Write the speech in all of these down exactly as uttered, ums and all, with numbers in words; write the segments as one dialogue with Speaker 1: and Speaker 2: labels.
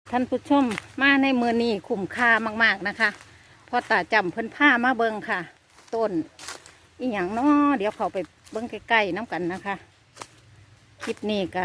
Speaker 1: ท่านผู้ชมมาในมือนี้คุ้มค่ามากๆนะคะพอตาจำเพิ่นผ้ามาเบิงค่ะ ต้นอีหยังเนาะเดี๋ยวเขาไปเบิงใกล้ๆน้ำกันนะคะคลิปนี้ก็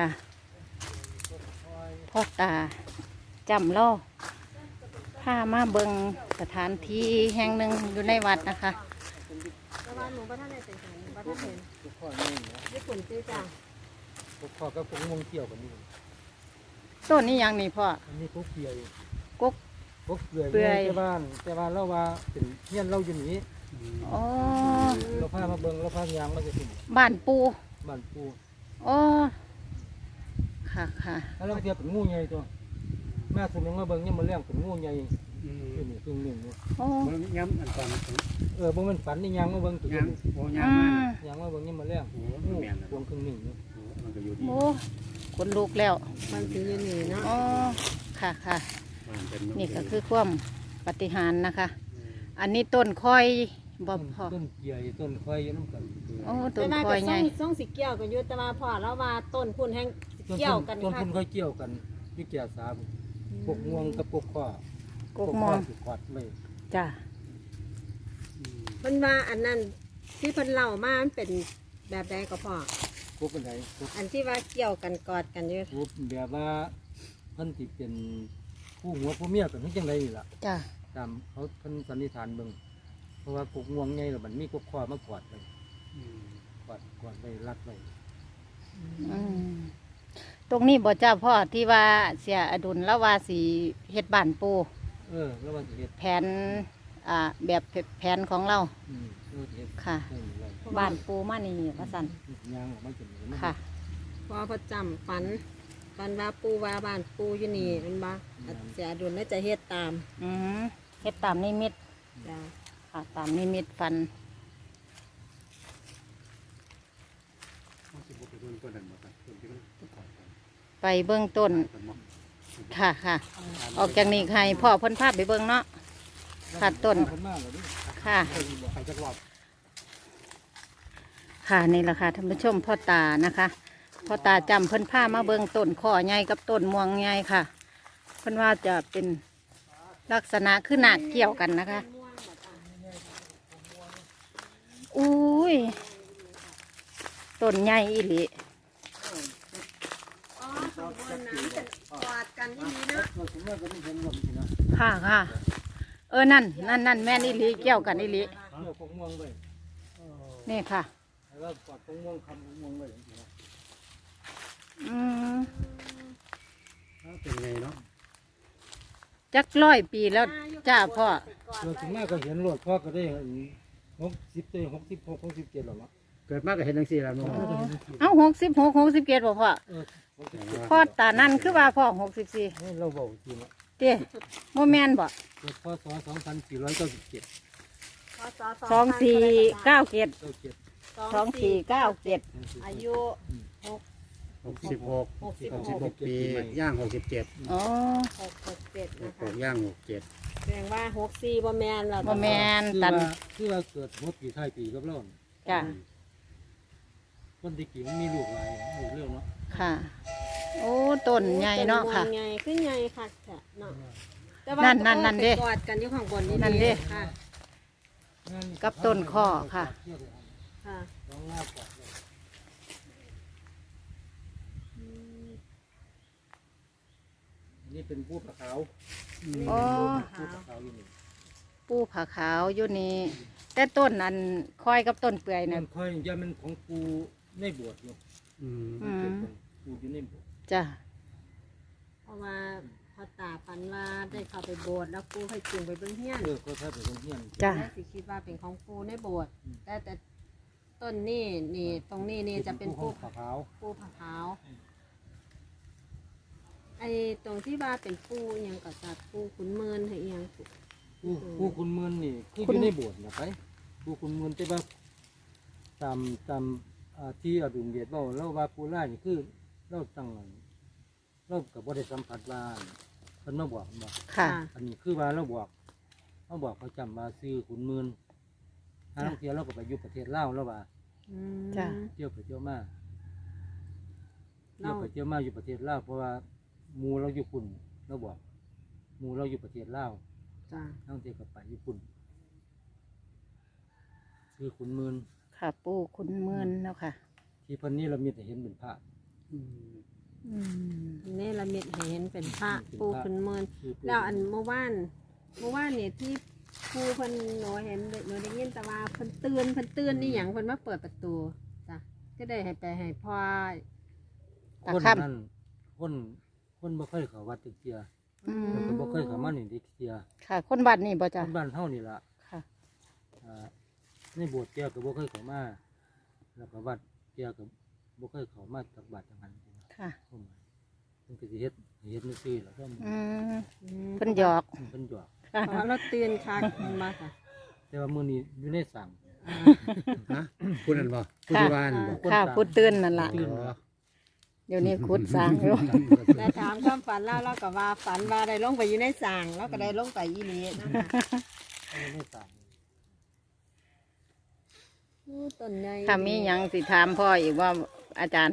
Speaker 1: พ่อตาจำล่อผ้ามาเบิงสถานที่แห่งหนึ่งอยู่ในวัดนะคะ
Speaker 2: แต่ว่าหนูบ้านท่านในเป็นของบ้านท่านเห็น
Speaker 3: ทุกข้อนี่นะ
Speaker 2: ญี่ปุ่นซื้อจ้า
Speaker 3: ทุกข้อก็คงมงเกี่ยวกันนี่
Speaker 1: ต้นนี้ยังนี่พ่อ
Speaker 3: อันนี้กุ๊กเกียร์
Speaker 1: กุ๊ก
Speaker 3: กุ๊กเกลือ
Speaker 1: เปื่อย
Speaker 3: แต่บ้านแต่ว่าเราว่าเป็นเฮียนเราอยู่นี้
Speaker 1: อ๋อ
Speaker 3: เราพามาเบิ่งเราพายางมาจะถึง
Speaker 1: บ้านปู
Speaker 3: บ้านปู
Speaker 1: อ๋อค่ะค่ะ
Speaker 3: แล้วเราเทียบเป็นงูใหญ่ตัวแม่สมยังมาเบิ่งยังมาเลี้ยงเป็นงูใหญ่อยู่นี่ครึ่งหนึ่งนี่
Speaker 1: โอ้
Speaker 4: มันย้ำอันก่อน
Speaker 3: เออบ่มันฝันนี่ยางมาเบิ่งตัว
Speaker 4: ย้
Speaker 3: นี้
Speaker 4: ำโอ้
Speaker 1: อื
Speaker 4: ย้ำมาม
Speaker 3: ยางมาเบิ่งยังมาเลี้ยง
Speaker 4: โอ้
Speaker 3: งู
Speaker 4: แม่น
Speaker 3: พวงครึ่งหนึ่งนี่
Speaker 4: โอ้มันก็อยู่ดี
Speaker 1: โอ้คนลุกแล้ว
Speaker 2: มันสียืนหนีเนาะ
Speaker 1: อ๋อค่ะค่ะ
Speaker 4: มันเป็น
Speaker 1: นี่ก็คือความปฏิหารย์นะคะ อันนี้ต้นค่อยบอพอ
Speaker 3: ต้นเกียร์ต้นคอยอยู่น้ำกัน
Speaker 1: โอ้ต้
Speaker 2: แต่
Speaker 1: น
Speaker 2: ว่า
Speaker 1: ค่อย
Speaker 2: ก็
Speaker 1: ไง
Speaker 2: ส่งส่งสิเกี่ยวกันอยู่แต่ว่าพอแล้วว่าต้นพุ่นแห้งสิเกี่ยวกัน
Speaker 3: ต้น
Speaker 2: ค่ะ
Speaker 3: พุ่นค่อยเกี่ยวกันพี่แก่สามพวกง่วงกับพวกข้อก
Speaker 1: กมอง
Speaker 3: สิขวัดเลย
Speaker 1: จ้ะ
Speaker 2: มันว่าอันนั้นที่เพิ่นเล่ามามันเป็นแบบใดก็พอ
Speaker 3: พวกเป็นไงพวก
Speaker 2: อันที่ว่าเกี่ยวกันกอดกันอยู่
Speaker 3: พวกแบบว่าเพิ่นติเป็นผู้หัวผู้เมียกันที่จังไดนี่ล่ะ
Speaker 1: จ้ะ
Speaker 3: ตามเขาเพิ่นสันนิษฐานเบิ่งเพราะว่ากกง่วงไงแล้วมันมีกกข้อมากอดเลยกอดกอดไว้รัดไว้
Speaker 1: อืมตรงนี้บ่จ้าพ่อที่ว่าเสียอดุลแล้วว่าสีเฮ็ดบ้านปู
Speaker 3: เออแล้วว่าสิเฮ็ด
Speaker 1: แผนอ่าแบบแผนของเรา
Speaker 3: อืมเออสิเฮ็ด
Speaker 1: ค่ะ
Speaker 3: เออไว้
Speaker 1: บ้านปูมานี่ว่าสัน
Speaker 3: ยางออกมาจนมัน
Speaker 1: ค่ะ
Speaker 2: พอประจำฝันฝันว่าปูว่าบ้านปูอยู่นี่มันบ่เสียดุลน่าจะเฮ็ดตาม
Speaker 1: อืมเฮ็ดตามนิมิต
Speaker 2: จ้า
Speaker 1: ค่ะตามนิมิตฟัน ไปเบื้องต้นค่ะค่ะออกจากนี้ใครพ่อเพ้นภาพไปเบื้องเนาะค่ะต้น
Speaker 3: เพิ่นมาแล้วนี่
Speaker 1: ค่ะ
Speaker 3: เออบอกใครจักรอบ
Speaker 1: ค่ะนี่แหละค่ะท่านผู้ชมพ่อตานะคะพ่อตาจำเพิ่นผ้ามาเบื้องต้นข้อใหญ่กับต้นม่วงใหญ่ค่ะเพิ่นว่าจะเป็นลักษณะคือหนักเกี่ยวกันนะคะอุ้ยต้นใหญ่อีหลี
Speaker 2: อ๋อขบวนน้ำจะกอดกันที่นี่เนาะ
Speaker 3: เราสมมติก็มีเห็นลมสินะ
Speaker 1: ค่ะค่ะเออนั่นนั่นนั่นแม่นอีหลีเกี่ยวกันอีหลี
Speaker 3: เกี่ยวกกง่วงไว้
Speaker 1: นี่ค่ะ
Speaker 3: แล้วกอดกกง่วงคำกกง่วงไว้จังซี่นะ
Speaker 1: อืม
Speaker 4: เป็นไงเนาะ
Speaker 1: จักร้อยปีแล้วจ้าพ่อ
Speaker 3: เราถึงแม่ก็เห็นรถพ่อก็ได้หกสิบเตหกสิบหกหกสิบเจ็ดหรอวะ
Speaker 4: เกิดมากก็เห็นทั้งสี่แล้วเนาะ
Speaker 1: เอ้าหกสิบหกหกสิบเจ็ดบ่พ่อ
Speaker 3: เออหกสิบเจ็ด
Speaker 1: พ่อตานั่นคือว่าพ่อหกสิบสี่
Speaker 3: ให้เราบอกจริงอ่ะ
Speaker 1: เต้โมแมนบ่
Speaker 3: เกิดพศสองพันสี่ร้อยเก้าสิบเจ็ด
Speaker 1: สองสี่เก้าเจ็ด
Speaker 3: เก้าเจ็ด
Speaker 1: สองสี่เก้าเจ็ด
Speaker 2: อายุหก
Speaker 4: หกสิบหก
Speaker 2: หกสิบ
Speaker 4: หก
Speaker 2: ห
Speaker 4: สิบ
Speaker 2: ก
Speaker 4: หกปีย่างหกสิบเจ็ด
Speaker 1: อ๋อ
Speaker 2: หกหกเจ็ดนะ
Speaker 4: ห
Speaker 2: คะ
Speaker 4: กย่างหกเจ็ด
Speaker 2: แสดงว่าหกสี่บ่แมนแล้ว
Speaker 1: โมแมน
Speaker 3: คือ
Speaker 1: ตัน
Speaker 3: ว่าคือว่าเกิดหัวปีท้ายปีกับเรา
Speaker 1: จ้ะ
Speaker 3: คนที่กี่มันมีลูกหลายลูกเรื่องเนาะ
Speaker 1: ค่ะ โอ้ต้นใหญ่เนาะค่ะ
Speaker 2: ใหญ่ขึ้นใหญ่ค่ะเนาะแต่
Speaker 1: นั่นนั่นนั่นเด้
Speaker 2: ไปกอดกันอยู่ข้างบนนี่
Speaker 1: นั่นเด้
Speaker 2: ค่ะ
Speaker 1: กับต้นข้อค่ะ
Speaker 2: ค่ะ
Speaker 3: น้องลาบก่อนเลยนี่เป็นผู้ผาขาว
Speaker 1: อ๋อ
Speaker 3: ผู้ผาขาวอยู่นี่
Speaker 1: ปูผาขาวอยู่นี่แต่ต้นอันคอยกับต้นเปื่อย
Speaker 3: มั
Speaker 1: นั่น
Speaker 3: นค่อยยามันของปูในบวชอยู่
Speaker 4: อืม
Speaker 1: อืม
Speaker 3: เกิดของปูอยู่ในบวช
Speaker 1: จ้ะ
Speaker 2: เพราะว่าพอตาฝันว่าได้เข้าไปโบสถ์แล้วปูให้จูงไปเบิ่งเฮียน
Speaker 3: เออก็ถ้าเป็นเฮียน
Speaker 1: จ้ะ
Speaker 2: แล้วสิคิดว่าเป็นของปูในโบสถ์แต่แต่ต้นนี่นี่ตรงนี้นี่จะเป็น
Speaker 3: ผู้
Speaker 2: ปู
Speaker 3: ผาขาว
Speaker 2: ปูผาขาวไอ้ตรงที่ว่าเป็นปูอหยังก็จัดปูขุนเมินให้อหยัง
Speaker 3: ผู้ผู้คุณเมือนนี่คืออยู่ในบวชนะไปผู้คุณเมือนแต่ว่าตามตามอ่าที่อดุลเดชเล่าเล่าว่าปูล่านี่คือเล่าตั้งเรากับบริสัมผัสว่าเพิ่นมาบอกบอก
Speaker 1: ค่ะ
Speaker 3: อันนี้คือว่าเราบอกเขาบอกเขาจำมาซื้อขุนเมือนทางเที่ยวเราก็ไปอยู่ประเทศลาวแล้วว่า
Speaker 2: อืม
Speaker 1: จ้ะ
Speaker 3: เที่ยวไปเที่ยวมาเที่
Speaker 2: เรา
Speaker 3: ยวไปเที่ยวมาอยู่ประเทศลาวเพราะว่าหมูเราอยู่คุณเราบอกหมู่เราอยู่ประเทศลาว
Speaker 2: จ้า
Speaker 3: ตั้งแต่กับไปญี่ปุ่นคือขุนหมืน
Speaker 1: ค่ะปูคุณเมือนเนาะค่ะ
Speaker 3: ที่เพันนี้เรามีแต่เห็นเป็นพระ
Speaker 4: อืม
Speaker 1: อืม
Speaker 2: นี่ละมิดให้เห็นเป็นพระปูขึ้นเมิน
Speaker 3: คือปู่
Speaker 2: แล้วอันเมื่อวานเมื่อวานเนี่ยที่ปูเพิ่นหนูเห็นหนูได้ยินแต่ว่าเพิ่นเตือนเพิ่นเตือนนี่หยังเพิ่นมาเปิดประตูจ้ะก็ได้ให้ไปให้พ่อ
Speaker 1: ตา
Speaker 3: คน
Speaker 1: ค่
Speaker 3: นั่นคนคนบ่เคยเข้าวัดตึกเทีย
Speaker 1: ำอืม
Speaker 3: แล้วก็บ่เคยเข้ามานี่ตึกเทีย
Speaker 1: ค่ะ คนบ้านนี่บ่
Speaker 3: ค
Speaker 1: จ้ะ
Speaker 3: นบ้านเฮานี่ล่ะ
Speaker 1: ค่ะ
Speaker 3: อ่าในโบสถ์เทียก็บ่เคยเข้ามาแล้วก็วัดเทียก็บ่เคยเข้ามาตักบาตรจังหัน
Speaker 1: ค่ะ
Speaker 3: เข้ามาเพิ่นก็สิเฮ็ดเฮ็ดจังซี่ล่ะเพิ่น
Speaker 1: อืม
Speaker 2: อืม
Speaker 1: เพิ่นหยอก
Speaker 3: เพิ่นหยอก
Speaker 1: ค่ะ
Speaker 2: เพราะเราเตือนคักมันมาค่ะ
Speaker 3: แต่ว่ามื้อนี้อยู่ในสั่ง
Speaker 4: ฮะพูดนั่นบ่พูดที่บ้านบ่
Speaker 1: ค่ะพูดตื่นนั่นล่ะ
Speaker 4: อ๋อ
Speaker 1: เดี๋ยวนี้คุดสร้างอยู่
Speaker 2: แต่ถามความฝันแล้วเราก็ว่าฝันว่าได้ลงไปอยู่ในสางแล้วก็ได้ลงไปอีนี้นะคะ
Speaker 3: อยู่ในสั่ง
Speaker 2: อู้ต้นใหญ่
Speaker 1: ถ้ามีหยังสิถามพ่ออีกว่าอาจารย์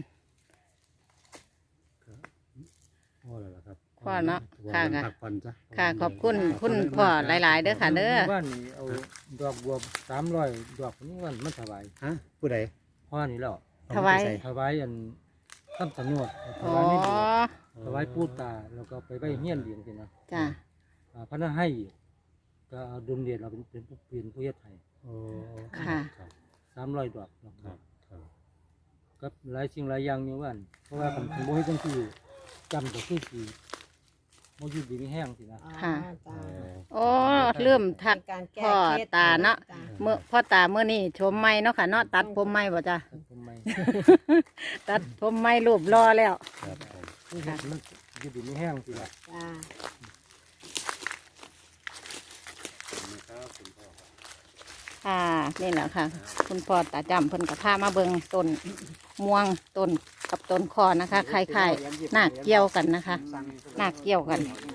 Speaker 4: พ่อแล้วล่ะครับ
Speaker 1: พ่อเนาะค่ะค่ะ
Speaker 4: พักผ่อนซะ
Speaker 1: ค่ะ ขอบคุณคุณพ่อหลาย ๆ เด้อค่ะ เด้อ
Speaker 3: บ้านนี้เอาดอกบัวสามร้อยดอกนี้วันมันถวาย
Speaker 4: ฮะผู้ใด
Speaker 3: พ่อนี่แล้ว
Speaker 1: ถวาย
Speaker 3: ถวายอันคำสนวดถ
Speaker 1: อ๋อ
Speaker 3: วายในโบสถ์ถวายปู่ตาแล้วก็ไปไว้เฮียนเลี้ยงสินะ
Speaker 1: จ้ะ
Speaker 3: อ่าพระนาให้อีกก็เอาดุลเดชเราเป็นเป็นผู้เปลี่ยนผู้เฮ็ดให้
Speaker 4: โอ้
Speaker 1: ค่ะ
Speaker 4: ครับ
Speaker 3: สามร้อยดอกดอก
Speaker 4: ครับครับ
Speaker 3: กับหลายสิ่งหลายอย่างอยู่ว่านเพราะว่าผมผมบ่เฮ็ดจังซี่จำก็คือสิบ่อยู่ดีมีแห้งสินะ
Speaker 2: อ๋อ
Speaker 1: ค่ะ
Speaker 2: จ้า
Speaker 1: โอ้เริ่มทัก
Speaker 2: เป็นการแก้
Speaker 1: พ่อ
Speaker 2: เคล็ด
Speaker 1: ตาเนาะ
Speaker 2: จ้
Speaker 1: เมื่อพ่อตาเมื่อนี้ชมไม่เนาะค่ะเนาะตัดผมไม่บ่จ้ะ
Speaker 3: ทำไม
Speaker 1: ตัดผมไม่รูปรอแล้ว
Speaker 4: ครับผม
Speaker 3: คือเฮ็ดมันอยู่ดีมีแห้งสิล่ะ
Speaker 2: จ้า
Speaker 4: ครับคุณพ่อครับ
Speaker 1: ค่ะนี่แหละค่ะ คุณพ่อตาจำเพิ่นกับพามาเบิงต้นม่วงต้นกับต้นคอนะคะคล้ายๆหน้าเกี่ยวกันนะคะหน้าเกี่ยวกัน
Speaker 3: ม